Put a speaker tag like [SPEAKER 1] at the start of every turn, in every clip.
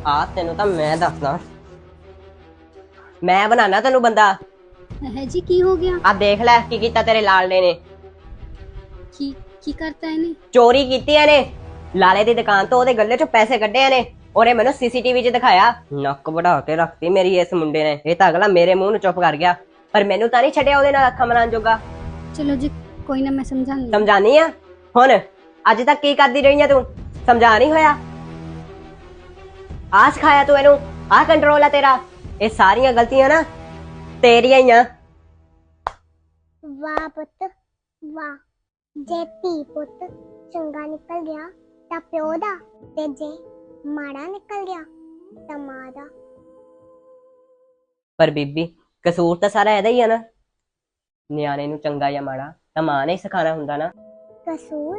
[SPEAKER 1] ਆ ਤੈਨੂੰ ਤਾਂ ਮੈਂ ਦੱਸਦਾ, ਮੈਂ ਬਣਾਣਾ ਤੈਨੂੰ ਬੰਦਾ।
[SPEAKER 2] है जी की हो गया?
[SPEAKER 1] ਆ ਦੇਖ ਲੈ ਕੀ ਕੀਤਾ ਤੇਰੇ ਲਾਲੜੇ ਨੇ।
[SPEAKER 2] की करता है ने?
[SPEAKER 1] ਚੋਰੀ ਕੀਤੀ ਇਹਨੇ ਲਾਲੇ ਦੀ ਦੁਕਾਨ ਤੋਂ, ਉਹਦੇ ਗੱਲੇ ਚੋਂ ਪੈਸੇ ਕੱਢੇ ਇਹਨੇ। ਉਹਨੇ ਮੈਨੂੰ ਸੀਸੀਟੀਵੀ 'ਚ ਦਿਖਾਇਆ। ਨੱਕ ਵਢਾ ਕੇ ਰੱਖਤੀ ਮੇਰੀ ਇਸ ਮੁੰਡੇ ਨੇ। ਇਹ ਤਾਂ ਅਗਲਾ ਮੇਰੇ ਮੂੰਹ ਨੂੰ ਚੁੱਪ ਕਰ ਗਿਆ, ਪਰ ਮੈਨੂੰ ਤਾਂ ਨਹੀਂ ਛੱਡਿਆ ਉਹਦੇ ਨਾਲ ਅੱਖਾਂ ਮਲਾਉਣ ਜੋਗਾ।
[SPEAKER 2] चलो जी कोई ना, मैं समझाऊंगी।
[SPEAKER 1] ਸਮਝਾਨੀ ਆ ਹੁਣ? ਅੱਜ ਤੱਕ ਕੀ ਕਰਦੀ ਰਹੀ ਆ ਤੂੰ? ਸਮਝਾ ਨਹੀਂ ਹੋਇਆ? ਆ ਸਿਖਾਇਆ ਤੂੰ ਇਹਨੂੰ? ਆ ਕੰਟਰੋਲ ਆ ਤੇਰਾ? ਇਹ ਸਾਰੀਆਂ ਗਲਤੀਆਂ ਨਾ ਤੇਰੀਆਂ ਹੀ ਆ।
[SPEAKER 3] ਵਾਹ ਪੁੱਤ ਵਾਹ, ਜੇ ਧੀ ਪੁੱਤ ਚੰਗਾ ਨਿਕਲ ਗਿਆ ਤਾਂ ਪਿਓ ਦਾ, ਤੇ ਜੇ ਮਾੜਾ ਨਿਕਲ ਗਿਆ ਤਾਂ ਮਾਂ ਦਾ।
[SPEAKER 1] ਪਰ ਬੀਬੀ ਕਸੂਰ ਤਾਂ ਸਾਰਾ ਇਹਦਾ ਹੀ ਆ ਨਾ। ਨਿਆਣੇ ਨੂੰ ਚੰਗਾ ਜਾਂ ਮਾੜਾ ਤਾਂ ਮਾਂ ਨੇ ਹੀ ਸਿਖਾਣਾ ਹੁੰਦਾ ਨਾ।
[SPEAKER 3] ਕਸੂਰ?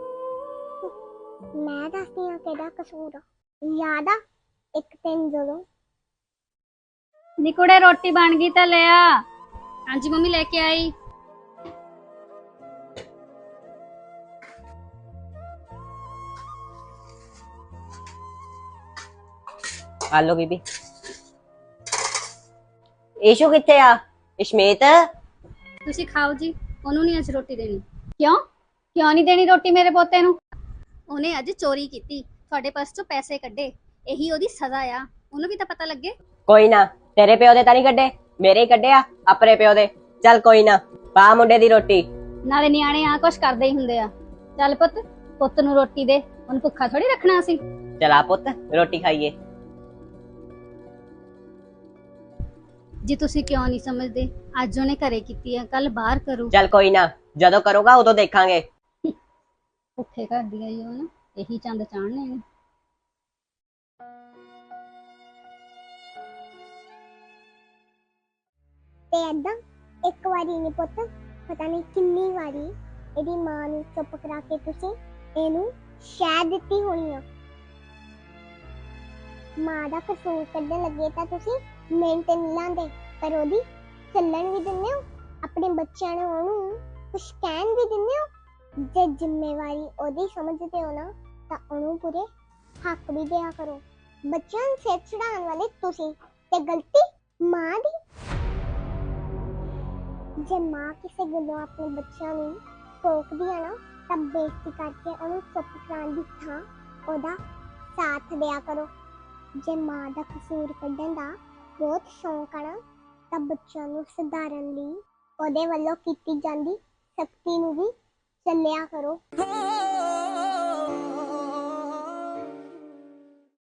[SPEAKER 3] ਮੈਂ ਦੱਸਦੀ ਹਾਂ ਕਿਹੜਾ ਕਸੂਰ ਆ। ਯਾਦ ਆ ਇੱਕ ਦਿਨ ਜਦੋਂ
[SPEAKER 2] निकुड़े रोटी बन गई तो ले आ। हाँ जी मम्मी लेके आई।
[SPEAKER 1] ਆ ਲੋ ਬੀਬੀ। ਈਸ਼ੂ ਕਿੱਥੇ ਆ? ਇਸ਼ਮੀਤ
[SPEAKER 2] ਤੁਸੀਂ ਖਾਓ ਜੀ, ਉਹਨੂੰ ਨਹੀਂ ਅੱਜ ਰੋਟੀ ਦੇਣੀ। ਕਿਉਂ ਨਹੀਂ ਦੇਣੀ ਰੋਟੀ ਮੇਰੇ ਪੋਤੇ ਨੂੰ? ਉਹਨੇ ਅੱਜ ਚੋਰੀ ਕੀਤੀ, ਤੁਹਾਡੇ ਪਰਸ ਚੋਂ ਪੈਸੇ ਕੱਢੇ, ਇਹੀ ਉਹਦੀ ਸਜ਼ਾ ਆ। ਉਹਨੂੰ ਵੀ ਤਾਂ ਪਤਾ ਲੱਗੇ।
[SPEAKER 1] ਕੋਈ ਨਾ, ਤੇਰੇ ਪਿਓ ਦੇ ਤਾਂ ਨਹੀਂ ਕੱਢੇ, ਮੇਰੇ ਹੀ ਕੱਢੇ ਆ ਆਪਣੇ ਪਿਓ ਦੇ। ਚੱਲ ਕੋਈ ਨਾ, ਪਾ ਮੁੰਡੇ ਦੀ ਰੋਟੀ।
[SPEAKER 2] ਨਾਲੇ ਨਿਆਣੇ ਆ ਕੁਛ ਕਰਦੇ ਹੀ ਹੁੰਦੇ ਆ। ਚੱਲ ਪੁੱਤ ਨੂੰ ਰੋਟੀ ਦੇ, ਉਹਨੂੰ ਭੁੱਖਾ ਥੋੜੀ ਰੱਖਣਾ ਸੀ।
[SPEAKER 1] ਚਲਾ ਪੁੱਤ ਰੋਟੀ ਖਾਈਏ।
[SPEAKER 2] ਜੀ ਤੁਸੀਂ ਕਿਉਂ ਨਹੀਂ ਸਮਝਦੇ? ਅੱਜ ਉਹਨੇ ਘਰੇ ਕੀਤੀ ਆ, ਕੱਲ ਬਾਹਰ ਕਰੂ।
[SPEAKER 1] ਚੱਲ ਕੋਈ ਨਾ, ਜਦੋਂ ਕਰੂਗਾ ਉਦੋਂ ਦੇਖਾਂਗੇ।
[SPEAKER 2] ਭੁੱਖੇ ਘਰ ਦੀ ਆਈ ਉਹ ਨਾ, ਇਹੀ ਚੰਦ ਚਾੜਨੇ ਨੇ।
[SPEAKER 3] ਤੇ ਏਦਾਂ ਇੱਕ ਵਾਰੀ ਨਹੀਂ ਪੁੱਤ, ਪਤਾ ਨਹੀਂ ਕਿੰਨੀ ਵਾਰੀ ਇਹਦੀ ਮਾਂ ਨੂੰ ਚੁੱਪ ਕਰਾ ਕੇ ਤੁਸੀਂ ਇਹਨੂੰ ਸ਼ਹਿ ਦਿੱਤੀ ਹੋਣੀ ਆ। ਮਾਂ ਦਾ ਕਸੂਰ ਕੱਢਣ ਲੱਗੇ ਤਾਂ ਤੁਸੀਂ ਮਿੰਟ ਨਹੀਂ ਲਾਉਂਦੇ, ਪਰ ਉਹਦੀ ਚੱਲਣ ਵੀ ਦਿੰਦੇ ਹੋ। ਆਪਣੇ ਬੱਚਿਆਂ ਨੂੰ ਉਹਨੂੰ ਕੁਛ ਕਹਿਣ ਵੀ ਦਿੰਦੇ ਹੋ। ਜੇ ਜ਼ਿੰਮੇਵਾਰੀ ਉਹਦੀ ਸਮਝਦੇ ਹੋ ਨਾ, ਤਾਂ ਉਹਨੂੰ ਪੂਰੇ ਹੱਕ ਵੀ ਦਿਆ ਕਰੋ। ਬੱਚਿਆਂ ਨੂੰ ਸਿਰ ਚੜਾਉਣ ਵਾਲੇ ਤੁਸੀਂ, ਤੇ ਗਲਤੀ ਮਾਂ ਦੀ। ਜੇ ਮਾਂ ਕਿਸੇ ਗੱਲੋਂ ਆਪਣੇ ਬੱਚਿਆਂ ਨੂੰ ਟੋਕਦੀ ਆ ਨਾ, ਤਾਂ ਬੇਇੱਜ਼ਤੀ ਕਰਕੇ ਉਹਨੂੰ ਚੁੱਪ ਕਰਾਉਣ ਦੀ ਥਾਂ ਉਹਦਾ ਸਾਥ ਦਿਆ ਕਰੋ। ਜੇ ਮਾਂ ਦਾ ਕਸੂਰ ਕੱਢਣ ਦਾ ਬਹੁਤ ਸ਼ੌਂਕ ਆ ਨਾ, ਤਾਂ ਬੱਚਿਆਂ ਨੂੰ ਸੁਧਾਰਨ ਲਈ ਉਹਦੇ ਵੱਲੋਂ ਕੀਤੀ ਜਾਂਦੀ ਸਖਤੀ ਨੂੰ ਵੀ ਚੱਲਿਆ ਕਰੋ।